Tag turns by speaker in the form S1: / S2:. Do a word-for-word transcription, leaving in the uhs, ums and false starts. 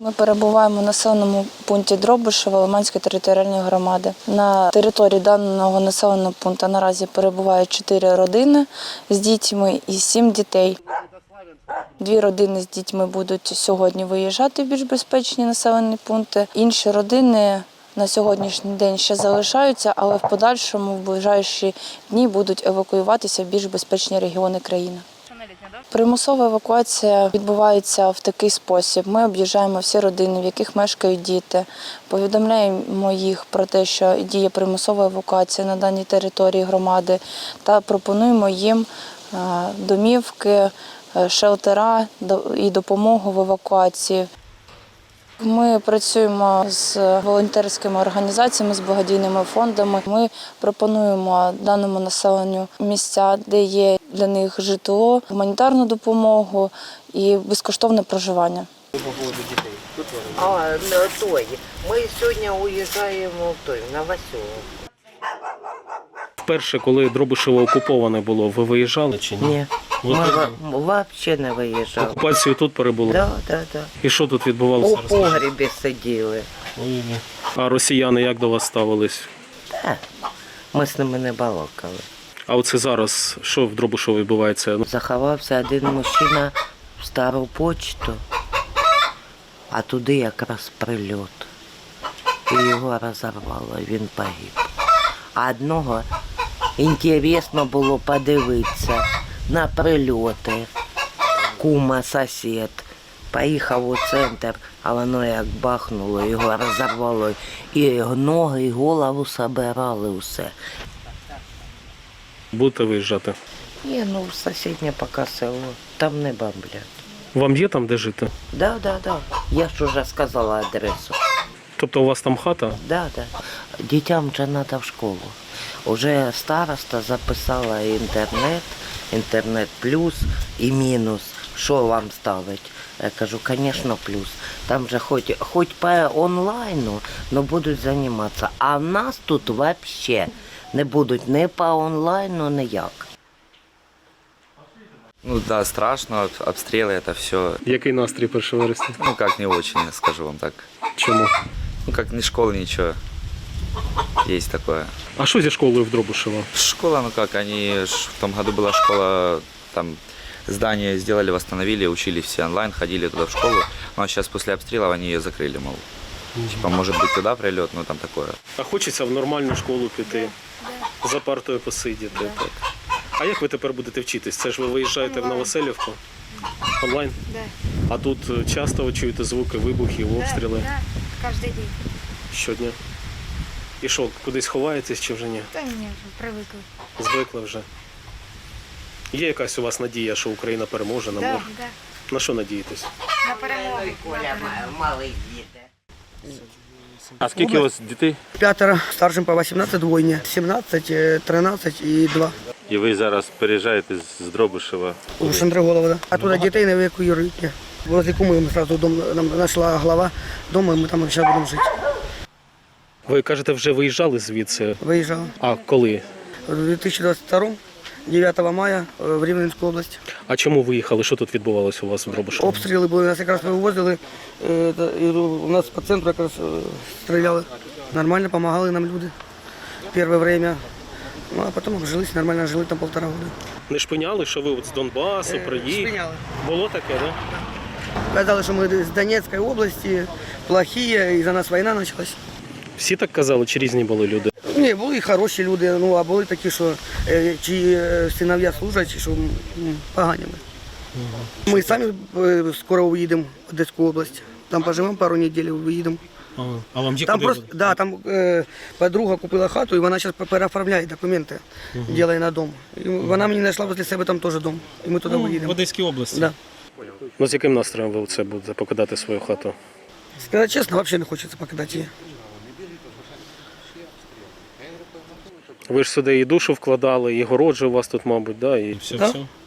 S1: Ми перебуваємо в населеному пункті Дробишево Лиманської територіальної громади. На території даного населеного пункту наразі перебувають чотири родини з дітьми і сім дітей. Дві родини з дітьми будуть сьогодні виїжджати в більш безпечні населені пункти. Інші родини на сьогоднішній день ще залишаються, але в подальшому, в ближайші дні будуть евакуюватися в більш безпечні регіони країни. Примусова евакуація відбувається в такий спосіб. Ми об'їжджаємо всі родини, в яких мешкають діти, повідомляємо їх про те, що діє примусова евакуація на даній території громади та пропонуємо їм домівки, шелтера і допомогу в евакуації. Ми працюємо з волонтерськими організаціями, з благодійними фондами. Ми пропонуємо даному населенню місця, де є для них житло, гуманітарну допомогу і безкоштовне проживання.
S2: А, той. Ми сьогодні уїжджаємо в той, на Васьову.
S3: Вперше, коли Дробишево окуповане було, ви виїжджали чи ні?
S2: Ні, ми взагалі не виїжджали.
S3: Окупацію тут перебули?
S2: Так, так, так.
S3: І що тут відбувалося?
S2: У погрібі сиділи.
S3: А росіяни як до вас ставились?
S2: Так, ми з ними не балакали.
S3: А оце зараз, що в Дробишево відбувається?
S2: Заховався один мужчина в стару почту, а туди якраз прильот. І його розірвало, він погиб. А одного інтересно було подивитися на прильоти. Кума, сусід. Поїхав у центр, а воно як бахнуло, його розірвало. І ноги, і голову собирали усе.
S3: Будете виїжджати?
S2: Є, ну, в сусіднє поки село, там не бомблять.
S3: Вам є там де жити?
S2: Да, да, да. Я ж уже сказала адресу.
S3: Тобто у вас там хата?
S2: Да, да. Дітям вже треба в школу. Уже староста записала інтернет, інтернет плюс і мінус. Що вам ставить? Я кажу, звісно, плюс. Там же хоч, хоч по онлайну, але будуть займатися. А в нас тут взагалі не будуть ні по онлайну, ніяк.
S4: Ну да, страшно, обстрелы это все.
S3: Який настрій першого вересня?
S4: Ну как не очень, скажу вам так.
S3: Чому?
S4: Ну как ни школы, ничего. Есть такое.
S3: А що зі школою в Дробишево?
S4: Школа, ну как, они ж- в том году была школа, там здание сделали, восстановили, учились все онлайн, ходили туда в школу. Но сейчас после обстрелов они ее закрыли, мол. Типа, может быть, туда прилет, но там такое.
S3: А хочеться в нормальну школу піти, за партою посидіти. Так. А як ви тепер будете вчитись? Це ж ви виїжджаєте в Новоселівку? Онлайн?
S5: Да.
S3: А тут часто ви чуєте звуки вибухів, обстріли?
S5: Да, да, кожен день.
S3: Щодня. І що, кудись ховаєтесь чи вже ні?
S5: Та ні, вже привикли.
S3: Звикли вже. Є якась у вас надія, що Україна переможе на
S5: Да,
S3: мир?
S5: да.
S3: На що надієтесь?
S5: На перемогу. На перемогу.
S2: малий діти.
S3: А скільки у вас дітей?
S6: П'ятеро, старшим по вісімнадцять, двойні. сімнадцять, тринадцять і два.
S7: І ви зараз переїжджаєте з Дробишева?
S6: У Шандриголова, да. А туди дітей не евакуюють. Возле куми ми одразу дом, нам знайшла глава дому, і ми там зараз будемо жити.
S3: Ви кажете, вже виїжджали звідси?
S6: Виїжджали.
S3: А коли?
S6: У дві тисячі двадцять другому, дев'ятого мая, в Рівненську область.
S3: А чому виїхали? Що тут відбувалося у вас в Дробишеві?
S6: Обстріли були, нас якраз вивозили, е, та- і у нас по центру якраз е, стріляли. Нормально допомагали нам люди перше время. Ну, а потім обжились, нормально жили там півтора року.
S3: Не шпиняли, що ви от з Донбасу приїхали?
S6: Шпиняли.
S3: Було таке, так? Да?
S6: Казали, що ми з Донецької області, плохі, і за нас війна почалась.
S3: Всі так казали, чи різні були люди?
S6: Ні, були і хороші люди, ну, а були такі, що е, чиї е, синов'я служать, що м, погані ми. Ми самі е, скоро уїдемо в Одеську область. Там поживемо пару неділь, виїдемо.
S3: А, а вам є
S6: Там
S3: куди?
S6: просто, да, там е, подруга купила хату, і вона зараз переоформляє документи, uh-huh. робить на дом. І вона мені знайшла возле себе там теж дом, і ми туди
S3: В
S6: виїдемо.
S3: Одеській області?
S6: Да.
S3: Ну з яким настроєм ви це будете покидати свою хату?
S6: Сказати чесно, взагалі не хочеться покидати її.
S3: Ви ж сюди і душу вкладали, і городжу у вас тут, мабуть, да? І все,
S6: Да.
S3: все.